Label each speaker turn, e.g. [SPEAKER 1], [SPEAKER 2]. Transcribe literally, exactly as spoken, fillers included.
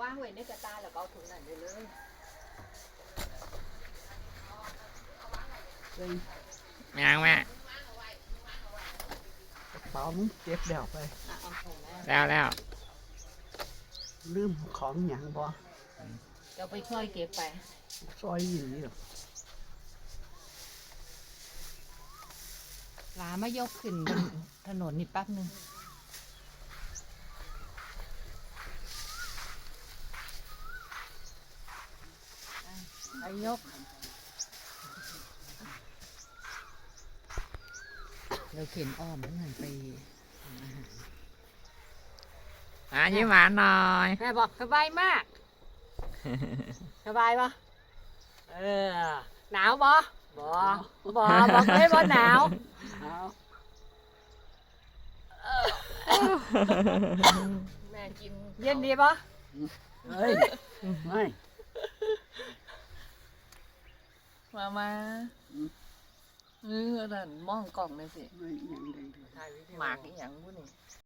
[SPEAKER 1] ว่างไว้ในกระตาแล้วก็เอาถุงนั่นไปเลย
[SPEAKER 2] เลย
[SPEAKER 3] ยังแม่
[SPEAKER 2] กระเป๋ามึงเก็บแล้วไป
[SPEAKER 1] อ่ะเอาถุงแม่
[SPEAKER 3] แล้วแล้ว
[SPEAKER 2] ลืมของหยังบ่
[SPEAKER 1] เดี๋ยวไปช่วยเก็บไป
[SPEAKER 2] ซอยอยู่นี่หรอก
[SPEAKER 1] หลามายกขึ้นบนถนนนี่แป๊บนึงไปยกเราเข็นอ้อมนั่นหันไปทำอาหาร
[SPEAKER 3] อ่ะยิ้มหวานหน่อย
[SPEAKER 1] แม่บอกสบายมาก สบายปะเออ หนาวปะบอบอบอกเลยว่าหนาว
[SPEAKER 2] เอา
[SPEAKER 1] แม่กินเย็นดีปะ
[SPEAKER 2] เฮ้ยไม่
[SPEAKER 4] มามาเออนั่นมองกล่องเลยสิ
[SPEAKER 2] ไม่หยังใดเลย
[SPEAKER 4] หมากอีหยังบุนี่